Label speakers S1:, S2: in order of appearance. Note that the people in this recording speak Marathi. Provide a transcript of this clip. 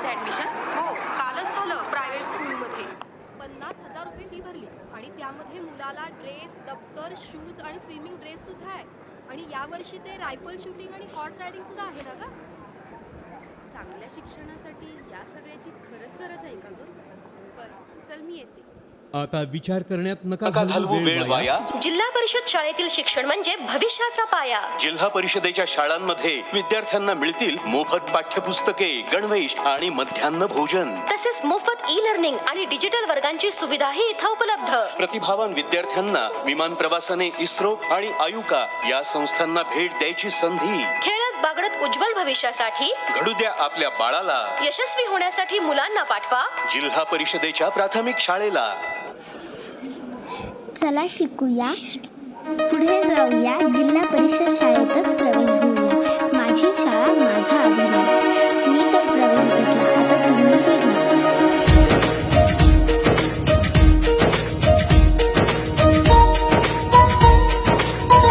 S1: मुलाचं ऍडमिशन?
S2: हो, कालच झालं प्रायव्हेट स्कूलमध्ये.
S3: 50,000 रुपये फी भरली आणि त्यामध्ये मुलाला ड्रेस, दप्तर, शूज आणि स्विमिंग ड्रेस सुद्धा आहे. आणि यावर्षी ते रायफल शूटिंग आणि हॉर्स रायडिंग सुद्धा आहे ना ग. चांगल्या शिक्षणासाठी या सगळ्याची खरंच गरज आहे का ग? बरं, चल मी येते.
S4: आता विचार करण्यात नका
S5: घालवू वेळ वाया.
S6: जिल्हा परिषद शाळेतील शिक्षण म्हणजे भविष्याचा पाया.
S5: जिल्हा परिषदेच्या शाळांमध्ये विद्यार्थ्यांना मिळतील मोफत पाठ्यपुस्तके, गणवेश आणि मध्यान्ह भोजन.
S6: तसेच मोफत ई लर्निंग आणि डिजिटल वर्गांची सुविधाही इथं उपलब्ध.
S5: प्रतिभावान विद्यार्थ्यांना विमान प्रवासाने इस्रो आणि आयुका या संस्थांना भेट द्यायची संधी.
S6: खेळत बागडत उज्ज्वल भविष्यासाठी
S5: घडू द्या आपल्या बाळाला.
S6: यशस्वी होण्यासाठी मुलांना पाठवा
S5: जिल्हा परिषदेच्या प्राथमिक शाळेला.
S7: चला शिकूया, पुढे जाऊया, जिल्हा परिषद शाळेतच प्रवेश घेऊया. माझी शाळा माझा अभिमान.